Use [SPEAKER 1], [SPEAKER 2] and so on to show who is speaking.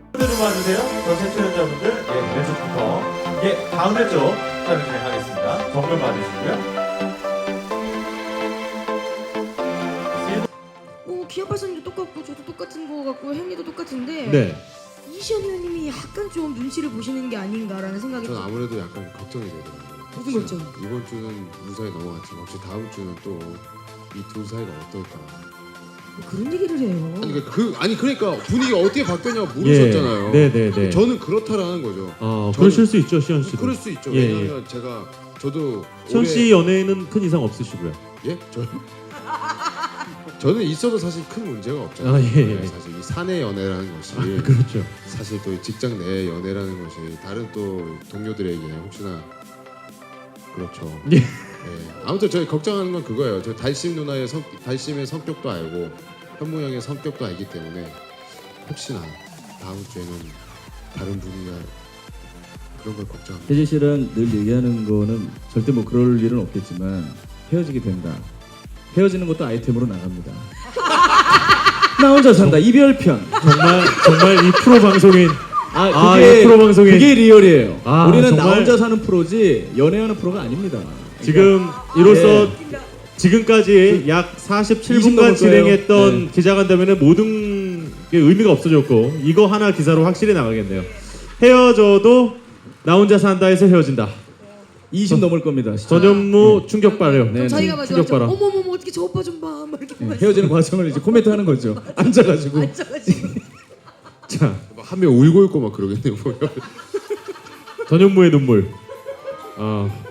[SPEAKER 1] 좀 와주세요. 전체 출연자분들, 왼쪽부터. 다음 왼쪽 촬영 진행하겠습니다. 정면 봐주시고요.
[SPEAKER 2] 기아 발사님도 똑같고 저도 똑같은 거 같고 햄리도 똑같은데
[SPEAKER 3] 네.
[SPEAKER 2] 이시연 의원님이 약간 좀 눈치를 보시는 게 아닌가라는 생각이
[SPEAKER 4] 전 아무래도 약간 걱정이 되더라고요.
[SPEAKER 2] 무슨 걱정?
[SPEAKER 4] 이번 주는 무사히 넘어갔지만 혹시 다음 주는 또 이 둘 사이가 어떨까?
[SPEAKER 2] 그런 얘기를 해요.
[SPEAKER 4] 그러니까 분위기가 어떻게 바뀌었냐고 물으셨잖아요.
[SPEAKER 3] 네네네.
[SPEAKER 4] 저는 그렇다라는 거죠.
[SPEAKER 3] 그러실 수 있죠, 시현 씨도.
[SPEAKER 4] 그럴 수 있죠.
[SPEAKER 3] 예,
[SPEAKER 4] 왜냐하면 저도
[SPEAKER 3] 시현 씨 연애에는 큰 이상 없으시고요.
[SPEAKER 4] 예? 저는 있어도 사실 큰 문제가 없잖아요.
[SPEAKER 3] 예.
[SPEAKER 4] 사실 이 사내 연애라는 것이
[SPEAKER 3] 그렇죠.
[SPEAKER 4] 사실 또 직장 내 연애라는 것이 다른 또 동료들에게 혹시나 그렇죠.
[SPEAKER 3] 예.
[SPEAKER 4] 아무튼 저희 걱정하는 건 그거예요. 저 달심의 성격도 알고 현무 형의 성격도 알기 때문에 혹시나 다음 주에는 다른 분이나 그런 걸 걱정합니다.
[SPEAKER 5] 혜진 씨랑 늘 얘기하는 거는 절대 뭐 그럴 일은 없겠지만 헤어지게 된다. 헤어지는 것도 아이템으로 나갑니다. 나 혼자 산다 이별편.
[SPEAKER 3] 정말 이 프로 방송인
[SPEAKER 5] 그게
[SPEAKER 3] 이 프로 방송인
[SPEAKER 5] 그게 리얼이에요. 우리는 나
[SPEAKER 3] 정말
[SPEAKER 5] 혼자 사는 프로지 연애하는 프로가 아닙니다.
[SPEAKER 3] 지금 이로써 지금까지 약 47분간 진행했던 기자간담회는 모든 게 의미가 없어졌고 이거 하나 기사로 확실히 나가겠네요. 헤어져도 나 혼자 산다에서 헤어진다.
[SPEAKER 5] 20 넘을 겁니다.
[SPEAKER 3] 전현무 충격 발효.
[SPEAKER 2] 그럼 자기가 막
[SPEAKER 3] 충격 발효.
[SPEAKER 2] 어머머머 어떻게 저 오빠 좀 봐. 막 이렇게 보면서
[SPEAKER 5] 헤어지는 과정을 이제 코멘트 하는 거죠. 앉아가지고.
[SPEAKER 3] 자,
[SPEAKER 4] 한 명 울고 있고 막 그러겠네요.
[SPEAKER 3] 전현무의 눈물.